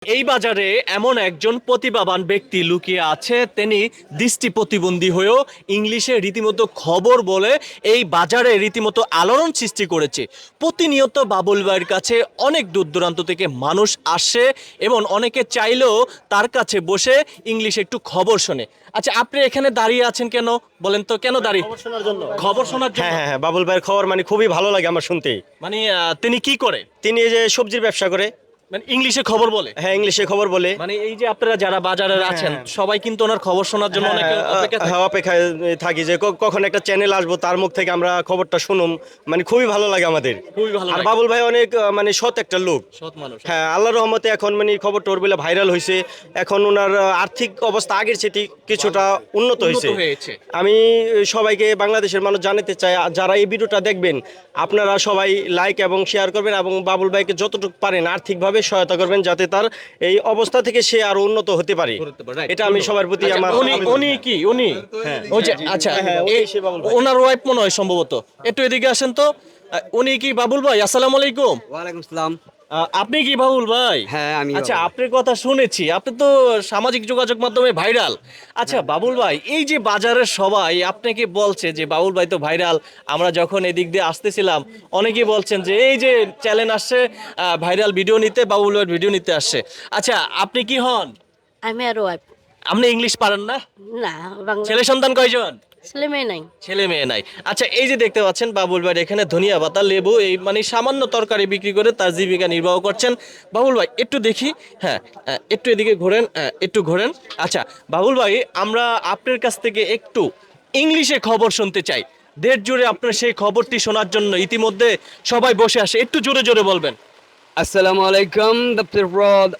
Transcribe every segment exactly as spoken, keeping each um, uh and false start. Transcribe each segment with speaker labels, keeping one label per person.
Speaker 1: এই বাজারে এমন একজন প্রতিভাবান ব্যক্তি লুকিয়ে আছে, তিনি দৃষ্টি প্রতিবন্ধী হয়েও ইংলিশে রীতিমতো খবর বলে এই বাজারে রীতিমতো আলোড়ন সৃষ্টি করেছে। প্রতিনিয়ত বাবুল ভাইয়ের কাছে অনেক দূর দূরান্ত থেকে মানুষ আসে এবং অনেকে চাইলেও তার কাছে বসে ইংলিশে একটু খবর শোনে। আচ্ছা, আপনি এখানে দাঁড়িয়ে আছেন কেন বলেন তো, কেন দাঁড়িয়ে?
Speaker 2: খবর শোনার জন্য।
Speaker 1: খবর শোনার জন্য?
Speaker 2: হ্যাঁ হ্যাঁ হ্যাঁ, বাবুল ভাইয়ের খবর মানে খুবই ভালো লাগে আমার শুনতে।
Speaker 1: মানে আহ, তিনি কি করে?
Speaker 2: তিনি এই যে সবজির ব্যবসা করে,
Speaker 1: মানে ইংলিশে খবর বলে?
Speaker 2: হ্যাঁ ইংলিশে খবর বলে।
Speaker 1: মানে এই যে আপনারা যারা বাজারে আছেন
Speaker 2: হ্যাঁ।
Speaker 1: সবাই কিন্তু ওনার খবর শোনার জন্য অনেকে
Speaker 2: হ্যাঁ,
Speaker 1: অপেক্ষা থাকে।
Speaker 2: হ্যাঁ, অপেক্ষায় থাকি যে ক- কখন একটা চ্যানেল আসবো, তার মুখ থেকে আমরা খবরটা শুনুম। মানে খুবই ভালো লাগে আমাদের।
Speaker 1: খুবই ভালো
Speaker 2: আর
Speaker 1: লাগে।
Speaker 2: বাবুল ভাই অনেক আহ, মানে সৎ একটা লোক।
Speaker 1: সৎ মানুষ।
Speaker 2: হ্যাঁ, আল্লাহর রহমতে এখন মানে খবর টোর বলে ভাইরাল হয়েছে। এখন ওনার আহ, আর্থিক অবস্থা আগের চেয়ে কিছুটা উন্নত হয়েছে।
Speaker 1: উন্নত হয়েছে।
Speaker 2: আমি সবাইকে বাংলাদেশের মানুষ জানাতে চাই, যারা এই ভিডিওটা দেখবেন আপনারা সবাই লাইক এবং শেয়ার করবেন এবং বাবুল ভাইকে যতটুকু পারেন আর্থিকভাবে সহায়তা করবেন, যাতে তার এই অবস্থা থেকে সে আরো উন্নত হতে পারে।
Speaker 1: করতে পারে, right.
Speaker 2: এটা আমি সবার প্রতি
Speaker 1: আচ্ছা,
Speaker 2: আমার
Speaker 1: উনি উনি কি উনি ওই যে আচ্ছা
Speaker 2: হ্যাঁ, উনি
Speaker 1: এই-
Speaker 2: সে বাবুল ভাই।
Speaker 1: ওনার ওয়াইফ মনে হয় সম্ভবত। একটু এদিকে আসেন তো। আহ, উনি কি বাবুল ভাই? আসসালামু আলাইকুম।
Speaker 3: ওয়ালাইকুম আসসালাম।
Speaker 1: আহ, আপনি কি বাবুল ভাই?
Speaker 3: হ্যাঁ, আমি
Speaker 1: আচ্ছা,
Speaker 3: বাবুল।
Speaker 1: আপনার কথা শুনেছি, আপনি তো সামাজিক যোগাযোগ মাধ্যমে ভাইরাল। আচ্ছা বাবুল ভাই, এই যে বাজারের সবাই আপনাকে বলছে যে বাবুল ভাই তো ভাইরাল, আমরা যখন এদিক দিয়ে আসতেছিলাম অনেকেই বলছেন যে এই যে চ্যানেল আসছে ভাইরাল ভিডিও নিতে, বাবুল ভাইয়ের ভিডিও নিতে আসছে। আচ্ছা, আপনি কি হন?
Speaker 4: আমি আর ওয়াইফ।
Speaker 1: আপনি ইংলিশ পারেন না?
Speaker 4: না, বাংলা
Speaker 1: ছেলে সন্তান কয়জন?
Speaker 4: ছেলে মেয়ে নাই।
Speaker 1: ছেলে মেয়ে নাই। আচ্ছা, এই যে দেখতে পাচ্ছেন বাবুল ভাই এখানে ধনিয়া পাতা, লেবু, এই মানে সামান্য তরকারি বিক্রি করে তার জীবিকা নির্বাহ করছেন। বাবুল ভাই একটু দেখি, হ্যাঁ আহ, একটু এদিকে ঘোরেন, আহ, একটু ঘোরেন। আচ্ছা বাবুল ভাই, আমরা আপনার কাছ থেকে একটু ইংলিশে খবর শুনতে চাই। দেশ জুড়ে আপনার সেই খবরটি শোনার জন্য ইতিমধ্যে সবাই বসে আসে, একটু জোরে জোরে বলবেন।
Speaker 3: Assalamu alaikum. The fraud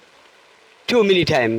Speaker 3: two minute time.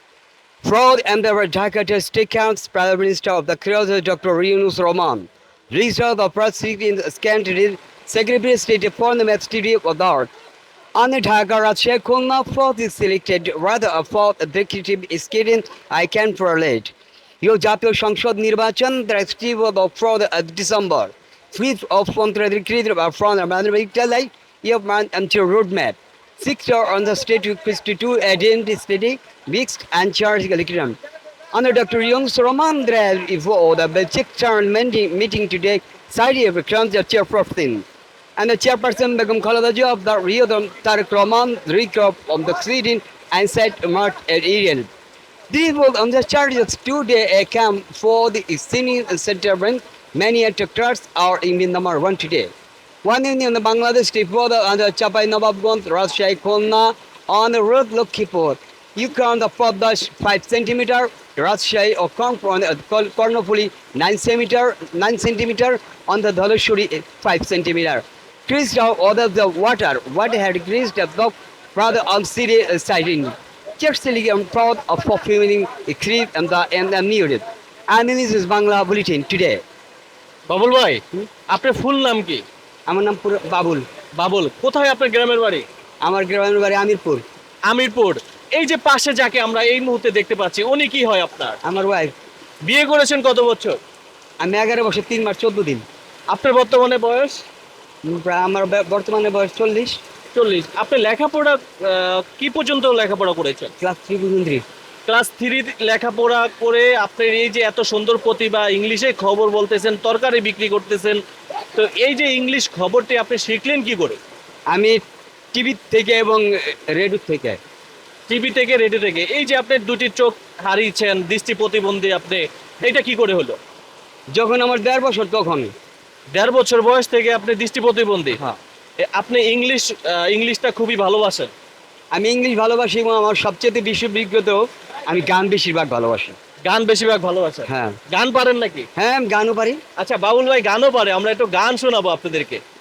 Speaker 3: Fraud and the Dhaka State Council Prime Minister of the Creole Doctor Yunus Rahman. Register of the Prosecutor in the Secretary Secretary State for the Ministry of Art. On the Dhaka Raja Khulna fraud is selected rather a fraud executive scheme I can relate. You জাতীয় সংসদ নির্বাচন the Steve of the fraud of December. Fifth of Fontra created by fraud and management you man until roadmap. Sixth on the state to two identity mixed and charged curriculum. Under Doctor Young Roman Drell for the Belgic meeting meeting today, Saudi becomes the chairperson. And the chairperson become Khaladaji of the Rio Tarik Roman, recap of the Sweden and set Mark at Ariel. This was on the charges two-day camp for the senior center bank. Many attractors are in the number one today. One in the Bangladesh for the under Chapai Nawabganj, Rajshahi Khulna on the road Lokhipur. You count the Podash five centimeter, Rajshahi or Kongpon at Kornopuli nine centimeter, nine centimeter on the Dhalashuri five centimeter. Creased out order the water, what had greased the dog rather on city siding. Cheerfully I'm proud of fulfilling the creed and the and the needed. And this is Bangla Bulletin today.
Speaker 1: Babul ভাই, আপনার ফুল নাম কি?
Speaker 3: আমার নাম পুরো বাবুল।
Speaker 1: বাবুল। কোথায় আপনার গ্রামের বাড়ি?
Speaker 3: আমার গ্রামের বাড়ি আমিরপুর।
Speaker 1: আমিরপুর। এই যে পাশে যাকে আমরা এই মুহূর্তে দেখতে পাচ্ছি, উনি কি হয় আপনার?
Speaker 3: আমার ওয়াইফ।
Speaker 1: বিয়ে করেছেন কত বছর?
Speaker 3: আমি এগারো বছর তিন মাস চোদ্দ দিন।
Speaker 1: আপনার বর্তমানে বয়স?
Speaker 3: উম, প্রায় আমার বে- বর্তমানে বয়স চল্লিশ।
Speaker 1: চল্লিশ। আপনি লেখাপড়া আহ, কি পর্যন্ত লেখাপড়া করেছেন?
Speaker 3: ক্লাস থ্রি পর্যন্ত।
Speaker 1: ক্লাস থ্রি লেখাপড়া করে আপনার এই যে এত সুন্দর প্রতিভা, ইংলিশে খবর বলতেছেন, তরকারি বিক্রি করতেছেন, তো এই যে ইংলিশ খবরটি আপনি শিখলেন কি করে?
Speaker 3: আমি টিভি থেকে এবং রেডিও থেকে।
Speaker 1: টিভি থেকে, রেডিও থেকে। এই যে আপনি দুটি চোখ হারিয়েছেন, দৃষ্টি প্রতিবন্ধী আপনি, এটা কি করে হলো?
Speaker 3: যখন আমার দেড় বছর তখন।
Speaker 1: দেড় বছর বয়স থেকে আপনি দৃষ্টি প্রতিবন্ধী।
Speaker 3: হ্যাঁ।
Speaker 1: এ, আপনি ইংলিশ আহ, ইংলিশটা খুবই ভালোবাসেন।
Speaker 3: আমি ইংলিশ ভালোবাসি এবং আমার সবচেয়ে বেশি বিজ্ঞত আমি গান বেশিরভাগ ভালোবাসি।
Speaker 1: গান বেশিরভাগ ভালোবাসেন?
Speaker 3: হ্যাঁ।
Speaker 1: গান পারেন নাকি?
Speaker 3: হ্যাঁ, আমি গানও পারি।
Speaker 1: আচ্ছা বাবুল ভাই গানও পারে, আমরা একটু গান শোনাবো আপনাদেরকে।